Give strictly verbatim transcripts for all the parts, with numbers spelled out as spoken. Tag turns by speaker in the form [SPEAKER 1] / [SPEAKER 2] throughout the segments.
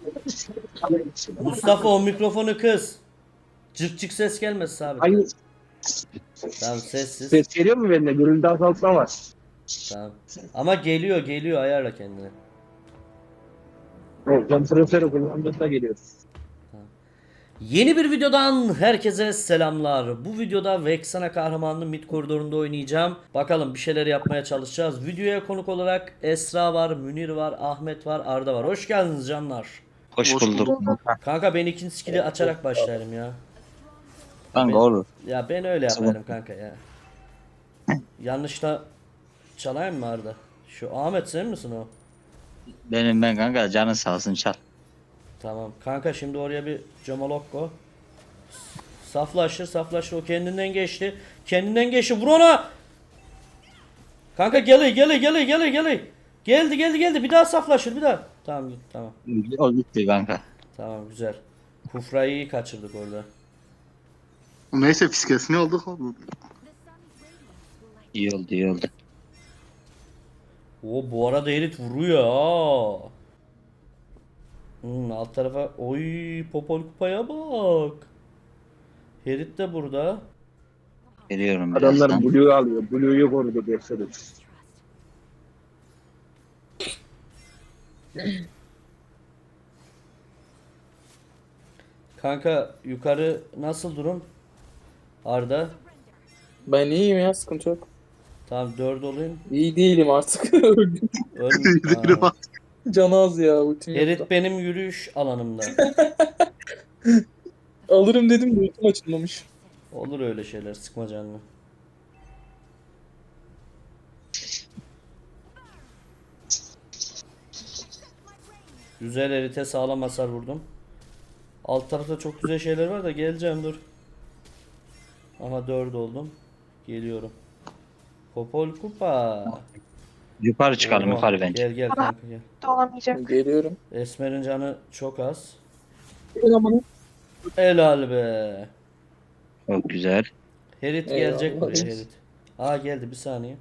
[SPEAKER 1] Mustafa o mikrofonu kız. Cık cık ses gelmez sabit.
[SPEAKER 2] Hangi
[SPEAKER 1] Tamam sessiz.
[SPEAKER 2] ses geliyor mu bende? Gürültü azaltma var.
[SPEAKER 1] Tamam. Ama geliyor geliyor ayarla kendini.
[SPEAKER 2] Evet, kompresörü kullandığında geliyor.
[SPEAKER 1] Yeni bir videodan herkese selamlar. Bu videoda Vexana kahramanlı mid koridorunda oynayacağım. Bakalım bir şeyler yapmaya çalışacağız. Videoya konuk olarak Esra var, Münir var, Ahmet var, Arda var. Hoş geldiniz canlar.
[SPEAKER 3] Hoş bulduk.
[SPEAKER 1] Kanka ben ikinci skill'i açarak başlarım ya.
[SPEAKER 3] Kanka
[SPEAKER 1] Ben-
[SPEAKER 3] olur.
[SPEAKER 1] Ya ben öyle yaparım kanka ya. Yanlışla çalayım mı Arda? Şu Ahmet sen misin o?
[SPEAKER 3] Benim ben kanka canın sağ olsun çal.
[SPEAKER 1] Tamam. Kanka şimdi oraya bir Comolokko. Saflaşır saflaşır. O kendinden geçti. Kendinden geçti. Vur ona. Kanka geli geli geli geli geli. Geldi geldi geldi. Bir daha saflaşır bir daha. Tamam git tamam.
[SPEAKER 3] O gitti kanka.
[SPEAKER 1] Tamam güzel. Kufra'yı kaçırdık orada.
[SPEAKER 4] Neyse fiskesini aldık abi.
[SPEAKER 3] İyi oldu iyi oldu.
[SPEAKER 1] O bu arada Erit vuruyor ha. Hmm, alt tarafa oy popol kupaya bak. Herit de burada.
[SPEAKER 3] Geliyorum
[SPEAKER 2] Adamlar
[SPEAKER 3] birazdan.
[SPEAKER 2] Blue'yu alıyor. Blue'yu korudu gösterir.
[SPEAKER 1] Kanka yukarı nasıl durum? Arda.
[SPEAKER 5] Ben iyiyim ya, sıkıntı yok.
[SPEAKER 1] Tamam dört olayım.
[SPEAKER 5] İyi değilim artık. Öldüm.
[SPEAKER 1] Ön... Ha.
[SPEAKER 5] Can az ya, ultim
[SPEAKER 1] Herit
[SPEAKER 5] yoktu.
[SPEAKER 1] benim yürüyüş alanımda.
[SPEAKER 5] Alırım dedim de ultim açılmamış.
[SPEAKER 1] Olur öyle şeyler sıkma canını. Güzel Herit'e sağlam hasar vurdum. Alt tarafta çok güzel şeyler var da geleceğim dur. Aha dört oldum. Geliyorum. Popol kupa.
[SPEAKER 3] Yukarı çıkalım
[SPEAKER 1] Oha,
[SPEAKER 3] yukarı bence.
[SPEAKER 1] Gel gel kanka gel.
[SPEAKER 6] Olamayacak.
[SPEAKER 5] Geliyorum.
[SPEAKER 1] Esmer'in canı çok az. Helal be.
[SPEAKER 3] Çok güzel.
[SPEAKER 1] Herit
[SPEAKER 5] Eyvallah.
[SPEAKER 1] gelecek buraya Herit. Aa geldi bir saniye.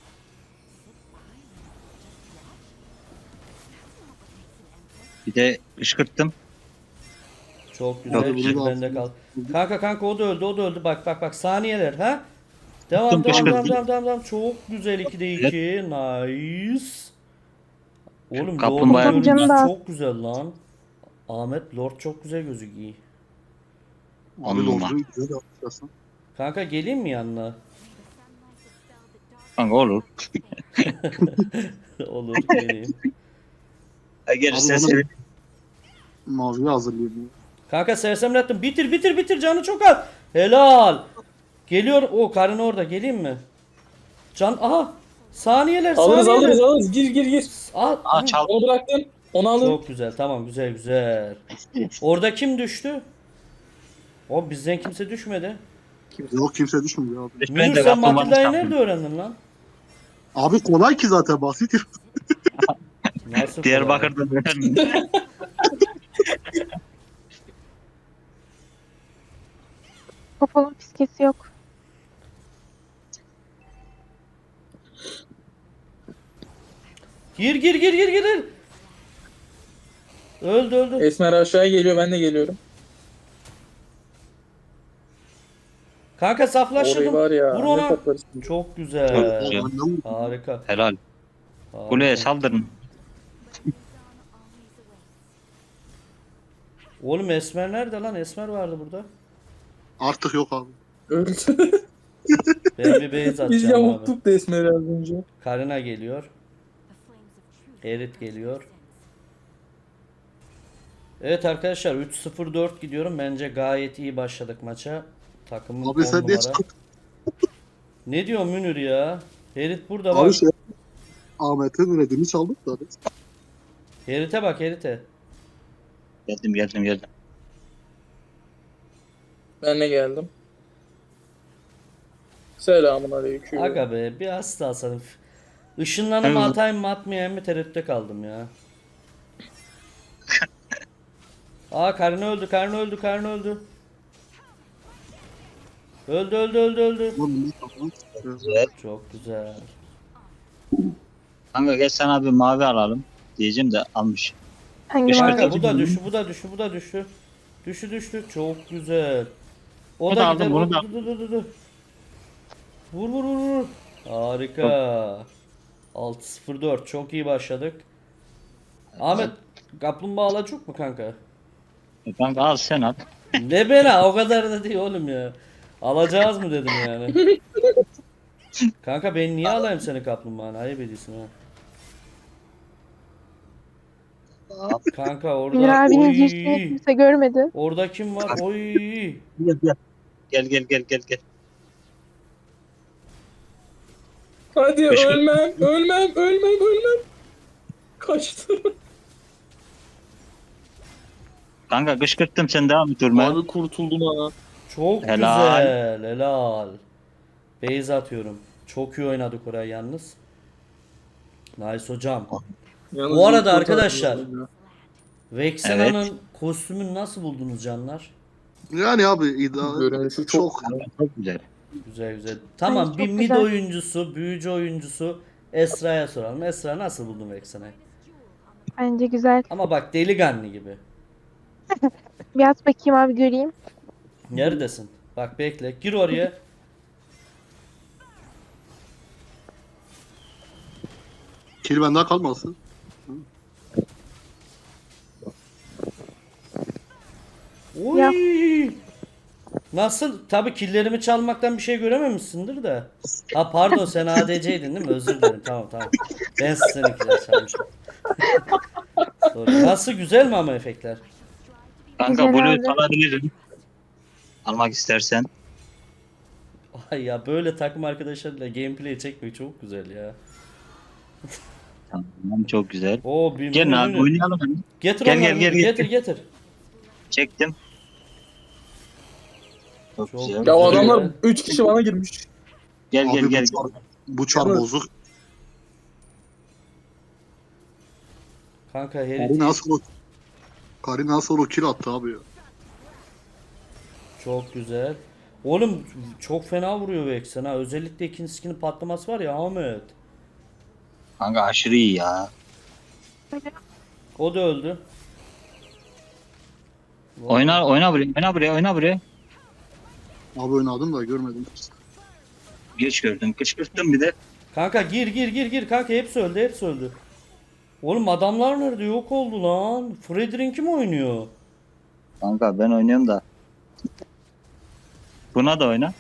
[SPEAKER 3] Bir de kışkırttım.
[SPEAKER 1] Çok güzel.
[SPEAKER 3] Yok,
[SPEAKER 1] Şimdi
[SPEAKER 4] bunu
[SPEAKER 1] bende kal. Kanka kanka o da öldü o da öldü. Bak bak bak saniyeler ha. Devam
[SPEAKER 3] Tuttum,
[SPEAKER 1] devam devam
[SPEAKER 3] kışkırttım.
[SPEAKER 1] devam devam devam. Çok güzel ikide iki. Nice. Oğlum
[SPEAKER 3] Kaplumbağa
[SPEAKER 1] Lord'un
[SPEAKER 6] yapacağım
[SPEAKER 1] görüntüsü
[SPEAKER 6] da.
[SPEAKER 1] çok güzel lan. Ahmet Lord çok güzel gözüküyor.
[SPEAKER 3] On
[SPEAKER 4] Abi
[SPEAKER 3] numara.
[SPEAKER 4] Lord'u güzel yapmışsın.
[SPEAKER 1] Kanka geleyim mi yanına?
[SPEAKER 3] Kanka olur.
[SPEAKER 1] Olur geleyim.
[SPEAKER 3] Gelirse
[SPEAKER 4] Abi,
[SPEAKER 3] sevinirim.
[SPEAKER 4] Maviyi hazırlayayım.
[SPEAKER 1] Kanka sersemlettim. Bitir bitir bitir canı çok az. Helal. Geliyor. O karın orada. Geleyim mi? Can aha. Saniyeler
[SPEAKER 5] Alırız
[SPEAKER 1] saniyeler.
[SPEAKER 5] alırız alırız. Gir gir gir.
[SPEAKER 1] Aa,
[SPEAKER 3] Aa çal.
[SPEAKER 5] Onu bıraktım. Onu alın.
[SPEAKER 1] çok güzel. Tamam güzel güzel. Orada kim düştü? O bizden kimse düşmedi.
[SPEAKER 4] Yok kimse düşmüyor abi.
[SPEAKER 3] Ben
[SPEAKER 1] Münir
[SPEAKER 3] de
[SPEAKER 1] sen
[SPEAKER 3] kaplumbağanın
[SPEAKER 1] Matilda'yı
[SPEAKER 3] şampiyonu.
[SPEAKER 1] nerede öğrendin lan?
[SPEAKER 4] Abi kolay ki zaten basit.
[SPEAKER 1] Nasıl
[SPEAKER 3] Diyarbakır'da böyle.
[SPEAKER 6] Popolun fiskesi yok.
[SPEAKER 1] Gir gir gir gir gir. Öldü öldü.
[SPEAKER 5] Esmer aşağıya geliyor, ben de geliyorum.
[SPEAKER 1] Kanka
[SPEAKER 5] Orayı
[SPEAKER 1] saflaştırdım.
[SPEAKER 5] var ya.
[SPEAKER 1] Vur
[SPEAKER 5] Ne
[SPEAKER 1] ona.
[SPEAKER 5] toplarız.
[SPEAKER 1] Çok güzel.
[SPEAKER 3] Çok güzel.
[SPEAKER 1] Harika.
[SPEAKER 3] Helal.
[SPEAKER 1] Harika.
[SPEAKER 3] Kuleye saldırın.
[SPEAKER 1] Oğlum Esmer nerede lan? Esmer vardı burada.
[SPEAKER 4] Artık yok abi.
[SPEAKER 5] Öldü.
[SPEAKER 1] Ben bir base
[SPEAKER 5] Biz
[SPEAKER 1] atacağım abi.
[SPEAKER 5] yamulttuk da Esmer'i az önce.
[SPEAKER 1] Karina geliyor. Erit geliyor. Evet arkadaşlar üç sıfır dört gidiyorum. Bence gayet iyi başladık maça. Takımın
[SPEAKER 4] Abi
[SPEAKER 1] on
[SPEAKER 4] sen ne
[SPEAKER 1] numara.
[SPEAKER 4] çıkıp
[SPEAKER 1] Ne diyor Münir ya? Herit burada
[SPEAKER 4] abi
[SPEAKER 1] bak.
[SPEAKER 4] şey Ahmet'in redini çaldık da.
[SPEAKER 1] Herit'e bak Herit'e.
[SPEAKER 3] Geldim geldim geldim.
[SPEAKER 5] Ben de geldim. Selamun aleyküm.
[SPEAKER 1] Aga be bir hasta alsanım. Işınlanımı
[SPEAKER 3] Evet.
[SPEAKER 1] atayım mı atmayayım mı tereddütte kaldım ya. Aa Karina öldü Karina öldü Karina öldü. Öldü öldü öldü öldü.
[SPEAKER 4] Lan ne yapalım?
[SPEAKER 3] Güzel.
[SPEAKER 1] Çok güzel.
[SPEAKER 3] Kanka gel sana bir mavi alalım. Diyeceğim de almış.
[SPEAKER 6] Hangi
[SPEAKER 3] Beş
[SPEAKER 6] mavi?
[SPEAKER 1] Kanka
[SPEAKER 3] dakika.
[SPEAKER 1] bu da düştü, bu da düştü, bu da düştü. Düştü düştü. Çok güzel. O
[SPEAKER 3] Bunu
[SPEAKER 1] da
[SPEAKER 3] da
[SPEAKER 1] gider.
[SPEAKER 3] aldım, bunu
[SPEAKER 1] o-
[SPEAKER 3] da-
[SPEAKER 1] dur, dur, dur, dur, dur. Vur vur vur vur. Harika. altı sıfır dört çok iyi başladık. Ahmet kaplumbağa alacak mı kanka?
[SPEAKER 3] E, Kanka al sen al.
[SPEAKER 1] Ne bena o kadar da değil oğlum ya. Alacağız mı dedim yani. Kanka ben niye alayım seni kaplumbağanı? Ayıp ediyorsun ha. Kanka
[SPEAKER 6] Emir
[SPEAKER 1] orada
[SPEAKER 6] abinin
[SPEAKER 1] oy.
[SPEAKER 6] girişini kimse görmedi.
[SPEAKER 1] Orada kim var? Oy.
[SPEAKER 3] Gel gel. Gel gel gel gel gel.
[SPEAKER 5] Hadi
[SPEAKER 3] Beş-
[SPEAKER 5] ölmem, ölmem, ölmem, ölmem. Kaçtı.
[SPEAKER 3] Kanka kışkırttım sen devam et durma.
[SPEAKER 5] Abi kurtuldum ha.
[SPEAKER 1] Çok
[SPEAKER 3] Helal.
[SPEAKER 1] güzel. Helal. Base atıyorum. Çok iyi oynadık oraya yalnız. Nice hocam.
[SPEAKER 5] Yalnız
[SPEAKER 1] Bu arada
[SPEAKER 5] iyi kurtardım
[SPEAKER 1] arkadaşlar,
[SPEAKER 5] ya.
[SPEAKER 1] Vexena'nın kostümünü nasıl buldunuz canlar?
[SPEAKER 4] Yani abi iddia
[SPEAKER 5] Görünüşü çok
[SPEAKER 4] çok
[SPEAKER 3] Çok güzel.
[SPEAKER 1] Güzel güzel. Tamam
[SPEAKER 6] çok
[SPEAKER 1] bir mid
[SPEAKER 6] güzel.
[SPEAKER 1] oyuncusu, büyücü oyuncusu Esra'ya soralım. Esra nasıl buldun Vexena'yı?
[SPEAKER 6] Bence güzel.
[SPEAKER 1] Ama bak delikanlı gibi.
[SPEAKER 6] Bir at bakayım abi göreyim.
[SPEAKER 1] Neredesin? Bak bekle. Gir oraya.
[SPEAKER 4] kill benden kalmasın.
[SPEAKER 1] Oy.
[SPEAKER 6] Ya.
[SPEAKER 1] Nasıl? Tabii killerimi çalmaktan bir şey görememişsindir de. Ha pardon sen A D C'ydin değil mi? Özür dilerim. Tamam tamam. Ben seninkiler çalmışım. Sorry. Nasıl güzel mi ama efektler?
[SPEAKER 3] Kanka
[SPEAKER 6] Güzel
[SPEAKER 3] Blue'yu
[SPEAKER 6] abi.
[SPEAKER 3] alabilirim. Almak istersen.
[SPEAKER 1] Ay ya böyle takım arkadaşlarıyla gameplay çekmek çok güzel ya.
[SPEAKER 3] Tamam çok güzel.
[SPEAKER 1] Oo bir
[SPEAKER 3] Gelin
[SPEAKER 1] menü-
[SPEAKER 3] abi
[SPEAKER 1] menü.
[SPEAKER 3] oynayalım. hadi.
[SPEAKER 1] Getir
[SPEAKER 3] Gel,
[SPEAKER 1] onları,
[SPEAKER 3] gel, gel,
[SPEAKER 1] getir
[SPEAKER 3] gel.
[SPEAKER 1] getir.
[SPEAKER 3] Çektim. Çok,
[SPEAKER 1] Çok
[SPEAKER 3] güzel.
[SPEAKER 5] Ya o
[SPEAKER 1] Güzel.
[SPEAKER 5] adamlar üç kişi bana girmiş.
[SPEAKER 3] Gel gel
[SPEAKER 4] Abi
[SPEAKER 3] gel.
[SPEAKER 4] bu çar, bu çar
[SPEAKER 5] Yalnız-
[SPEAKER 4] bozuk.
[SPEAKER 1] Kanka herif
[SPEAKER 4] Karin nasıl o Karin nasıl o kill attı abi ya.
[SPEAKER 1] çok güzel. Oğlum çok fena vuruyor Vexen ha. Özellikle ikinci skinin patlaması var ya Ahmet.
[SPEAKER 3] Kanka aşırı iyi ya.
[SPEAKER 1] O da öldü.
[SPEAKER 3] Oyna oyna buraya. Oyna buraya. Oyna buraya.
[SPEAKER 4] Abi oynadım da görmedim.
[SPEAKER 3] Geç gördüm. Kışkırttım bir de.
[SPEAKER 1] Kanka gir gir gir gir kanka hepsi öldü hepsi öldü. Oğlum adamlar nerede yok oldu lan. Frederick mi oynuyor?
[SPEAKER 3] Kanka ben oynuyorum da. Buna da oyna.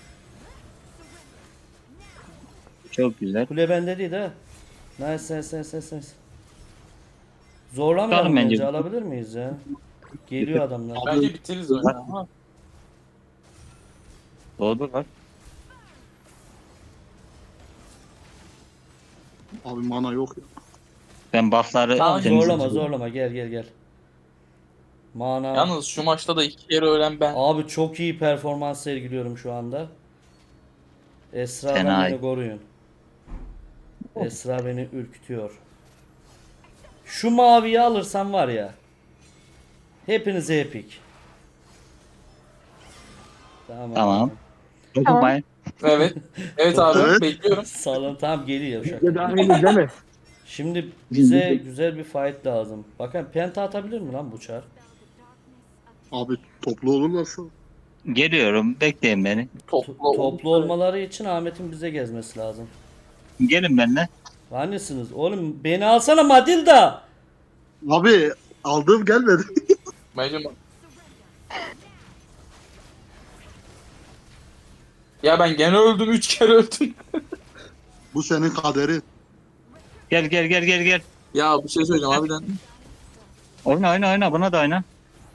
[SPEAKER 3] Çok güzel.
[SPEAKER 1] Kule bende değil ha. Nice nice nice nice nice. Zorlamayalım
[SPEAKER 3] Tutalım bence.
[SPEAKER 1] bence alabilir miyiz ya? Geliyor adamlar.
[SPEAKER 5] Bence bitiririz oyunu ama.
[SPEAKER 3] Doğru var.
[SPEAKER 4] Abi mana yok ya.
[SPEAKER 3] Ben buff'ları
[SPEAKER 5] Tamam,
[SPEAKER 1] Zorlama
[SPEAKER 3] temizledim.
[SPEAKER 1] zorlama gel gel gel. Mana.
[SPEAKER 5] Yalnız şu maçta da iki kere ölen ben.
[SPEAKER 1] Abi çok iyi performans sergiliyorum şu anda. Esra
[SPEAKER 3] Fena.
[SPEAKER 1] beni koruyun. Esra beni ürkütüyor. Şu maviyi alırsam var ya. Hepinize epik. Tamam.
[SPEAKER 3] Tamam.
[SPEAKER 6] Tamam.
[SPEAKER 3] Dokunmayın.
[SPEAKER 5] Evet. Evet abi
[SPEAKER 4] Evet.
[SPEAKER 5] bekliyorum.
[SPEAKER 1] Salın tamam geliyor
[SPEAKER 2] Bir
[SPEAKER 1] şaka.
[SPEAKER 2] de daha henüz değil mi?
[SPEAKER 1] Şimdi bize güzel bir fight lazım. Bakın penta atabilir mi lan bu çar?
[SPEAKER 4] Abi toplu olurlarsa.
[SPEAKER 3] Geliyorum. Bekleyin beni.
[SPEAKER 5] Toplu,
[SPEAKER 1] Toplu olmaları için Ahmet'in bize gezmesi lazım.
[SPEAKER 3] Gelin benimle.
[SPEAKER 1] Hangisiniz? Oğlum beni alsana Madilda.
[SPEAKER 4] Abi aldığım gelmedi.
[SPEAKER 5] Bence Ya ben gene öldüm. Üç kere öldüm.
[SPEAKER 4] Bu senin kaderi.
[SPEAKER 3] Gel gel gel gel gel.
[SPEAKER 5] Ya bir şey söyleyeceğim harbiden.
[SPEAKER 3] Oyna oyna oyna. Buna da oyna.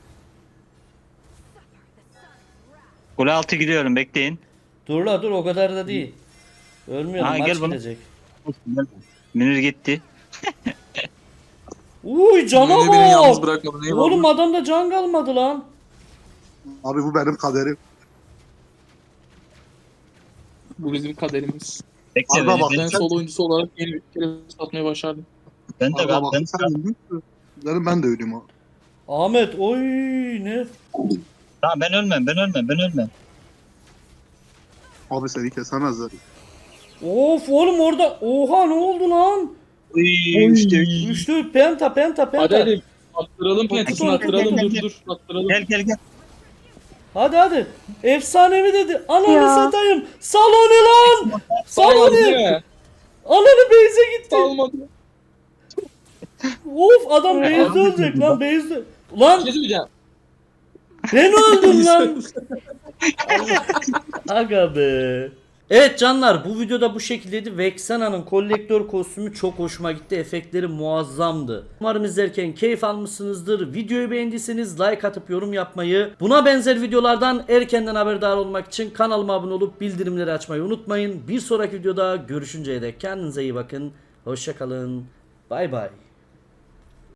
[SPEAKER 3] Kule altı gidiyorum. Bekleyin.
[SPEAKER 1] Dur la dur o kadar da değil. Ölmüyorum
[SPEAKER 3] Ha,
[SPEAKER 1] maç
[SPEAKER 3] gel bunu.
[SPEAKER 1] gidecek.
[SPEAKER 3] Münir gitti.
[SPEAKER 1] Uy cana
[SPEAKER 5] Beni, beni yalnız
[SPEAKER 1] bak.
[SPEAKER 5] bırakmadın. Eyvallah.
[SPEAKER 1] Oğlum adamda can kalmadı lan.
[SPEAKER 4] Abi bu benim kaderim.
[SPEAKER 5] Bu bizim kaderimiz.
[SPEAKER 3] Bekle
[SPEAKER 4] Abi
[SPEAKER 3] beni.
[SPEAKER 4] bak,
[SPEAKER 3] Ben,
[SPEAKER 5] Ben sol oyuncusu olarak yeni bir kere satmayı başardım.
[SPEAKER 3] ben de
[SPEAKER 4] Abi
[SPEAKER 3] ben,
[SPEAKER 4] bak
[SPEAKER 3] ben,
[SPEAKER 4] sen öldün mü? Derim ben de öleyim abi.
[SPEAKER 1] Ahmet oy ne?
[SPEAKER 3] Tamam ben ölmem. Ben ölmem. Ben ölmem.
[SPEAKER 4] Abi seni kesemezler.
[SPEAKER 1] Of oğlum orada oha ne oldu lan?
[SPEAKER 3] Uy, işte,
[SPEAKER 1] Üçlü penta penta
[SPEAKER 5] Hadi
[SPEAKER 1] penta.
[SPEAKER 5] hadi. Attıralım pentasını
[SPEAKER 1] Dur,
[SPEAKER 5] attıralım
[SPEAKER 3] dur,
[SPEAKER 5] dur
[SPEAKER 3] dur.
[SPEAKER 5] dur. Attıralım.
[SPEAKER 3] Gel gel gel.
[SPEAKER 1] Hadi hadi. Efsanevi dedi. Ananı
[SPEAKER 6] Ya.
[SPEAKER 1] satayım. Saloni lan.
[SPEAKER 5] Salmadı değil
[SPEAKER 1] Saloni.
[SPEAKER 5] mi?
[SPEAKER 1] Ananı Beyze gitti.
[SPEAKER 5] Salmadı.
[SPEAKER 1] Of adam Beyze
[SPEAKER 3] Abi,
[SPEAKER 1] ölecek lan Beyze.
[SPEAKER 5] Bir
[SPEAKER 1] Ulan
[SPEAKER 5] şey söyleyeceğim.
[SPEAKER 1] ben öldüm lan. Aga be. Evet canlar bu videoda bu şekildeydi. Vexena'nın kolektör kostümü çok hoşuma gitti. Efektleri muazzamdı. Umarım izlerken keyif almışsınızdır. Videoyu beğendiyseniz like atıp yorum yapmayı, buna benzer videolardan erkenden haberdar olmak için kanalıma abone olup bildirimleri açmayı unutmayın. Bir sonraki videoda görüşünceye dek kendinize iyi bakın. Hoşça kalın. Bay bay.